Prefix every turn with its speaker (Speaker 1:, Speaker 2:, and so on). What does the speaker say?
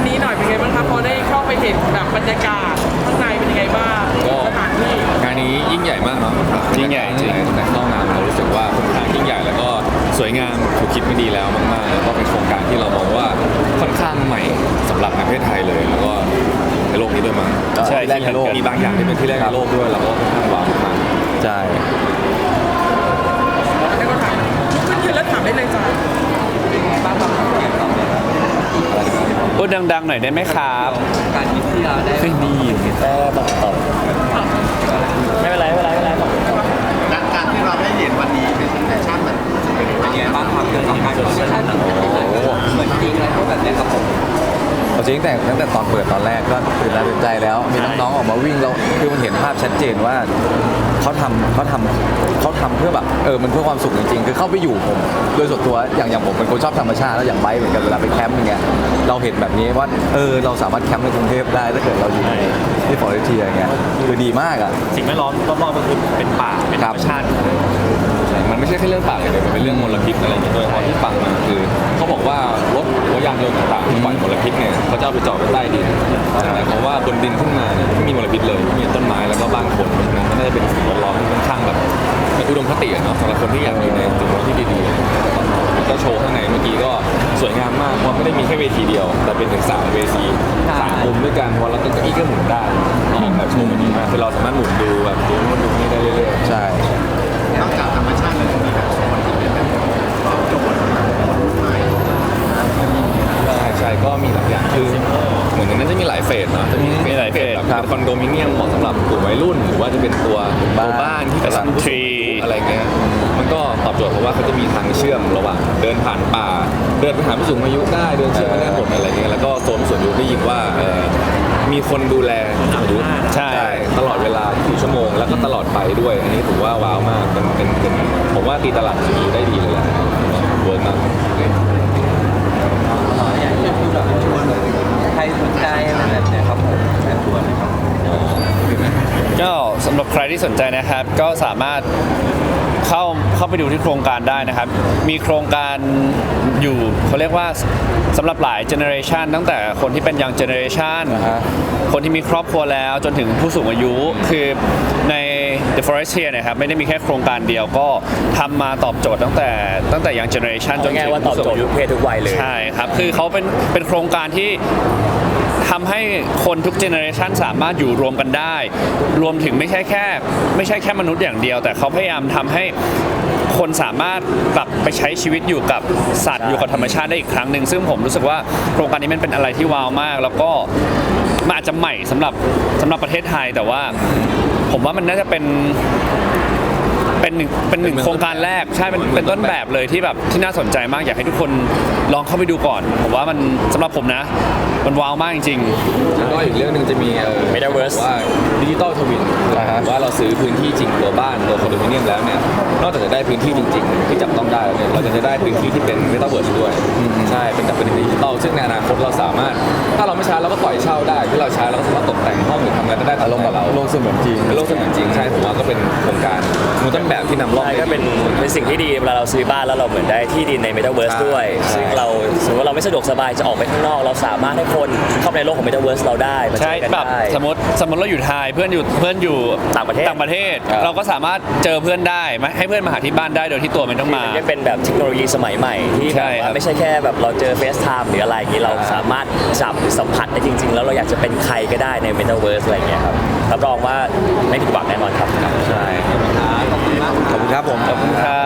Speaker 1: นี้หน่อยเป็นไงบ้างครับพอได้เข้าไปเห็นแบบบรรยากาศข้างในเป็นยังไงบ้างสถานที่
Speaker 2: งานนี้ยิ่งใหญ่มากเนาะ
Speaker 3: ยิ่งใหญ่จริง
Speaker 2: แต่เข้างานเรารู้สึกว่าค่อนข้างยิ่งใหญ่แล้วก็สวยงามถูกคิดไม่ดีแล้วมากๆแล้วก็เป็นโครงการที่เรามองว่าค่อนข้างใหม่สำหรับในประเทศไทยเลยแล้วก็ในโลกนี้ด้วยมั้ง
Speaker 3: ใช่
Speaker 2: ที่แรกในโลกมีบางอย่างที่เป็นที่แรกในโลกด้วยแล้วก็ค่อนข้างว้าวมาก
Speaker 3: ใช่
Speaker 1: แล้วก็ถามขึ้นยืนแล้วถามได้เลยจ้าเป็นไงบ้างครับเกี่ยวกับ
Speaker 3: พูดดังๆหน่อยได้ไหมครับ
Speaker 1: การที่เราได้
Speaker 3: ไม่มีแต่ตอบไม่เป็นไร
Speaker 4: การที่เราได้เห็นวันนี้เป็นแฟชั่นมันเป็นยังไงบ้างครับเกี่ยวกับการแฟชั่นเหมือนจริงอะไรพวกแบบนี้ครับผม
Speaker 5: เอาจริงตั้งแต่ตอนเปิดตอนแรกก็ตื่นตาตื่นใจแล้วมีน้องๆออกมาวิ่งแล้วคือมันเห็นภาพชัดเจนว่าเขาทำเพื่อแบบมันเพื่อความสุขจริงๆคือเข้าไปอยู่ผมโดยส่วนตัวอย่างผมเป็นคนชอบธรรมชาติแล้วอย่างไบค์เหมือนกันเวลาไปแคมป์อย่างเงี้ยเราเห็นแบบนี้ว่าเราสามารถแคมป์ในกรุงเทพได้ถ้าเกิดเราอยู่ในที่ฟอร์เรสเทียอย่างเงี้ยคือดีมากอ่ะ
Speaker 3: สิ่งแวดล้อมรอบๆก็คือเป็นป่าเป็นธรรมชาติ
Speaker 2: ๆมันไม่ใช่แค่เรื่องปากเลยมันเป็นเรื่องมลพิษอะไรอย่างเงี้ยด้วยเพราะที่ฟังมาคือเขาบอกว่ารถยานยนต์ต่างๆที่ปล่อยมลพิษเนี่ยเขาจะเอาไปจอดไว้ใต้ดินหมายความว่าบนดินขึ้นมาเนี่ยไม่มีมลพิษเลยมีต้นไม้แล้วก็บ้านคนเพราะฉะนั้นก็น่าจะเป็นสิ่งแวดล้อมที่ค่อนข้างแบบเป็นอุดมคติเนาะสำหรับคนที่อยากอยู่ในจุดที่ดีๆแล้วก็โชว์ข้างในเมื่อกี้ก็สวยงามมากเพราะไม่ได้มีแค่เวทีเดียวแต่เป็นถึง3เวที3มุมด้วยกันวันละตัวเก้าอี้ก็หมุนได้ออกแบบโชว์มันดีมากคือเราสามารถหมุนดูแบบดูนู่นดูนี่ได้เรื่อยๆ
Speaker 5: ใช่
Speaker 4: นอกจากธรรมชาติแล้วมีแบบโซนที่เป็นแบบโจทย์ใหม่
Speaker 2: ใช่ก็มีหลายอย่างคือเหมือนในนั้นจะมีหลายเฟสเนาะจะมีหลายเฟสแบบคอนโดมิเนียมเหมาะสำหรับกลุ่มวัยรุ่นหรือว่าจะเป็นตัวบ้านที่กำลังทรีอะไรเงี้ยมันก็ตอบโจทย์เพราะว่าเขาจะมีทางเชื่อมระหว่างเดินผ่านป่าเดินไปหาผู้สูงอายุได้เดินเชื่อมไปได้หมดอะไรเงี้ยแล้วก็โซนผู้สูงอายุได้ยินว่ามีคนดูแลผู้สูงอายุใช่ตลอดเวลา4 ชั่วโมงแล้วก็ตลอดไปด้วยอันนี้ถือว่าว้าวมากเป็นผมว่าตีตลาดทีได้ดีเลยแหละเวิร์กมาก
Speaker 1: อยากจะคือแบบชวนใครสนใจอะไรแบบนี้ครับผมเชิญชวนนะครับ
Speaker 3: ก็สำหรับใครที่สนใจนะครับก็สามารถเข้าไปดูที่โครงการได้นะครับมีโครงการอยู่เขาเรียกว่าสำหรับหลายเจเนอเรชันตั้งแต่คนที่เป็นยังเจเนอเรชันคนที่มีครอบครัวแล้วจนถึงผู้สูงอายุคือใน The Forestier นะครับไม่ได้มีแค่โครงการเดียวก็ทำมาตอบโจทย์ตั้งแต่ยังเจเนอเรชันจนถึงผู้สูงอายุเพศทุกวัยเลยใช่ครับคือเขาเป็นโครงการที่ทำให้คนทุกเจเนอเรชันสามารถอยู่รวมกันได้รวมถึงไม่ใช่แค่มนุษย์อย่างเดียวแต่เขาพยายามทำให้คนสามารถกลับไปใช้ชีวิตอยู่กับสัตว์อยู่กับธรรมชาติได้อีกครั้งหนึ่งซึ่งผมรู้สึกว่าโครงการนี้มันเป็นอะไรที่ว้าวมากแล้วก็มันอาจจะใหม่สำหรับประเทศไทยแต่ว่าผมว่ามันน่าจะเป็นหนึ่งโครงการแรกใช่เป็นต้นแบบเลยที่แบบที่น่าสนใจมากอยากให้ทุกคนลองเข้าไปดูก่อนผมว่ามันสำหรับผมนะมันว้าวมากจริง
Speaker 2: ๆแล้วก็อีกเรื่องหนึ่งจะมี
Speaker 3: Metaverse
Speaker 2: ว่าดิจิตอลทวินว่าเราซื้อพื้นที่จริงตัวบ้านตัวคอนโดมิเนียมแล้วเนี่ยนอกจากจะได้พื้นที่จริงๆที่จับต้องได้แล้วเนี่ยเราจะได้พื้นที่ที่เป็นเมตาเวิร์สด้วยใช่เป็นดิจิตอลซึ่งในอนาคตเราสามารถถ้าเราไม่ใช้เราก็ปล่อยเช่าได้ที่เราใช้เราก็สามารถตกแต่งห้องหรือทำอะไรก็ได้
Speaker 5: อารมณ์แบบโลกเสมือนจริง
Speaker 2: โลกเสมือนจริงใช่ผมว่าก็เป็นโครงการมูลต้นแบบที่นำร่อง
Speaker 6: ก็เป็นสิ่งที่ดีเวลาเราซื้อบ้านแล้วเราเหมือนได้ที่ดินใน Metaverse ด้วยซึ่งเราสมมติว่าเราไม่สะดวกสบายจะออกไปข้างนอกเราสามารถให้คนเข้าในโลกของ Metaverse เราได้
Speaker 3: ใช่แบบสมมติเราอยู่ไทยเพื่อนอยู่
Speaker 6: ต่างประเทศ
Speaker 3: เราก็สามารถเจอเพื่อนได้ให้เพื่อนมาหาที่บ้านได้โดยที่ตัวไม่ต้องมา
Speaker 6: จะเป็นแบบเทคโนโลยีสมัยใหม่ที่แบบว่าไม่ใช่แค่แบบเราเจอ FaceTime หรืออะไรอย่างนี้เราสามารถจับหรือสัมผัสได้จริงๆแล้วเราอยากจะเป็นใครก็ได้ใน Metaverse อะไรอย่างเงี้ยครับรับรองว่าไม่ผิดหวังแน่นอนครับ
Speaker 3: ใช่
Speaker 5: ขอบคุณครับผม
Speaker 3: ขอบคุณครับ